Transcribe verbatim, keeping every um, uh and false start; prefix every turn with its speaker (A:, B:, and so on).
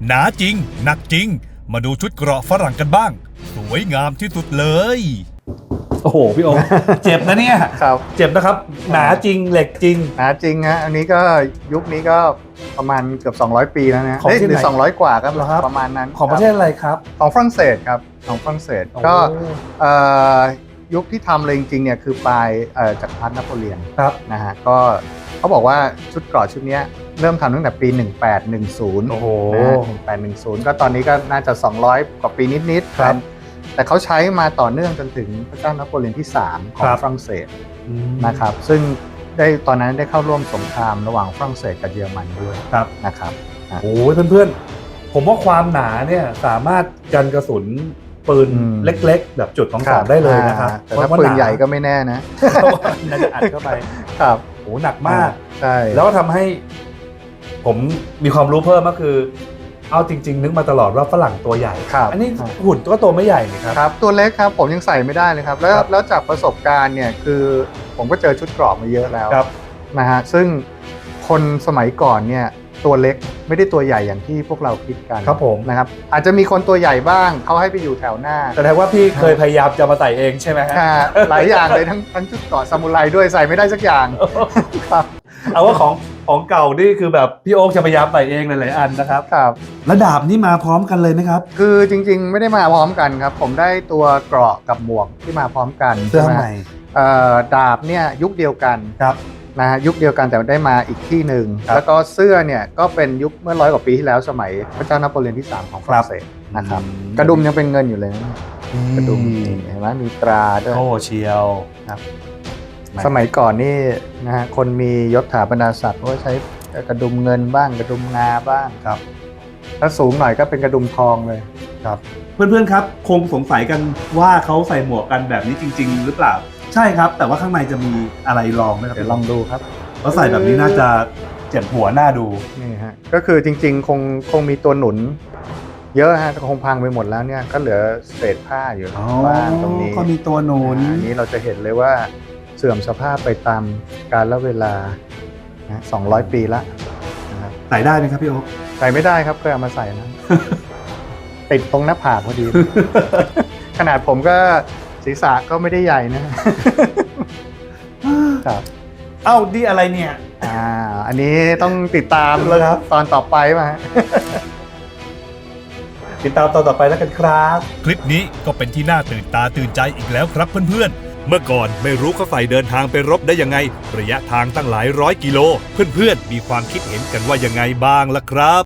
A: หนาจริงหนักจริงมาดูชุดเกราะฝรั่งกันบ้างสวยงามที่สุดเลย
B: โอ้โหพี่โอ๊ค เจ็บนะเนี่ย
C: ครับ
B: เจ็บนะครับหนาจริงเหล็กจริง
C: หนาจริงฮะอันนี้ก็ยุคนี้ก็ประมาณเกือบสองร้อยปีแล้วนะ
B: ของที่ไหน
C: หรือสองร้อยกว่าครับ
B: ครับ
C: ประมาณนั้น
B: ของประเทศอะไรครับ
C: ของฝรั่งเศสครับของฝรั่งเศสก็เอ่อยุคที่ทำเลยจริงๆเนี่ยคือปลายจักรพรรดินโปเลียน
B: ครับ
C: นะฮะก็เขาบอกว่าชุดเกราะชุดนี้เริ่มทำตั้งแต่ปีหนึ่งแปดหนึ่งศูนย์
B: โอ้โห
C: หนึ่งแปดหนึ่งศูนย์ก็ตอนนี้ก็น่าจะสองร้อยกว่าปีนิดๆ
B: ครับ
C: แต่เขาใช้มาต่อเนื่องจนถึงพระเจ้านโปเลียนที่สามของ
B: ครับ
C: ฝรั่งเศสนะครับซึ่งได้ตอนนั้นได้เข้าร่วมสงครามระหว่างฝรั่งเศสกับเยอรมันด้วย
B: ครับ
C: นะครับ
B: โอ้ยเพื่อนๆผมว่าความหนาเนี่ยสามารถกันกระสุนปืน
C: อืม
B: เล็กๆ แบบจุดสองสองได้เลยนะครับ
C: อ่าแต่ถ้าปืนใหญ่ก็ไม่แน่นะ
B: น่าจะอัดเข้าไป
C: ครับ
B: โอ้หนักมาก
C: ใช่
B: แล้วก็ทำให้ผมมีความรู้เพิ่มก็คือ เอาจริง ๆ นึกมาตลอดว่าฝรั่งตัวใหญ่
C: ครับ
B: อันนี้หุ่นก็ตัวไม่ใหญ่นี่ครับ
C: ครับตัวเล็กครับผมยังใส่ไม่ได้เลยครับแล้ว
B: ครับ
C: แล้วจากประสบการณ์เนี่ยคือผมก็เจอชุดเกราะมาเยอะแล้ว
B: ครับ
C: นะฮะซึ่งคนสมัยก่อนเนี่ยตัวเล็กไม่ได้ตัวใหญ่อย่างที่พวกเราคิดกัน
B: ครับผม
C: นะครับอาจจะมีคนตัวใหญ่บ้างเขาให้ไปอยู่แถวหน้า
B: แสดงว่าพี่เคยพยายามจะมาใส่เองใช่ไหมฮะ
C: อ่าหลายอย่างเลยทั้งทั้งชุดเกราะซามูไรด้วยใส่ไม่ได้สักอย่างครับ
B: เอาว่าของของเก่านี่คือแบบพี่โอ๊คจะพยายามใส่เองหลายๆอันนะครับ
C: ครับ
B: แล้วดาบนี่มาพร้อมกันเลยไหมครับ
C: คือจริงๆไม่ได้มาพร้อมกันครับผมได้ตัวเกราะกับหมวกที่มาพร้อมกัน
B: เสื้อ
C: ช่ไหม
B: ใหม่
C: เอ่อดาบเนี่ยยุคเดียวกัน
B: ครับ
C: นะฮะยุคเดียวกันแต่ได้มาอีกที่หนึ่ง
B: ครับ
C: แล้วก็เสื้อเนี่ยก็เป็นยุคเมื่อร้อยกว่าปีที่แล้วสมัยพระเจ้านโปเลียนที่สามของฝรั่งเศสนะครับ
B: อืม
C: กระดุมยังเป็นเงินอยู่เลยนะกระดุมนี่เห็นไหมมีตราด้วย
B: โอ้เชียว
C: ครับสมัยก่อนนี่นะฮะคนมียศถาบรรดาศักดิ์ก็ใช้กระดุมเงินบ้างกระดุมงาบ้าง
B: ครับ
C: ถ้าสูงหน่อยก็เป็นกระดุมทองเลย
B: ครับเพื่อนๆครับคงสงสัยกันว่าเขาใส่หมวกกันแบบนี้จริง ๆ หรือเปล่าใช่ครับ แต่ว่าข้างในจะมีอะไรรองไหมครับ
C: เดี๋ยวลองดูครับ
B: เพราะใส่แบบนี้น่าจะเจ็บหัวหน้าดู
C: นี่ฮะก็คือจริงๆ คงคงมีตัวหนุน เยอะฮะคงพังไปหมดแล้วเนี่ยก็เหลือเศษผ้าอยู่บ้างตรงนี้
B: ก็มีตัวหนุน
C: อันนี้เราจะเห็นเลยว่าเสื่อมสภาพไปตามกาลเวลานะสองร้อยปีละนะครับ
B: ใส่ได้ไหมครับพี่โอ๊ค
C: ใส่ไม่ได้ครับเคยเอามาใส่นะ ติดตรงหน้าผากพอดี ขนาดผมก็ศีรษะก็ไม่ได้ใหญ่นะ ครับ
B: เอ้าดีอะไรเนี่ย
C: อ่าอันนี้ต้องติดตาม
B: แล้วครับ
C: ตอนต่อไปมา
B: ติดตามตอนต่อไปแล้วกันครับ
A: คลิปนี้ก็เป็นที่น่าตื่นตาตื่นใจอีกแล้วครับเพื่อนๆ เมื่อก่อนไม่รู้เขาใส่เดินทางไปรบได้ยังไง ระยะทางตั้งหลายร้อยกิโล เพื่อนๆ มีความคิดเห็นกันว่ายังไงบ้างล่ะครับ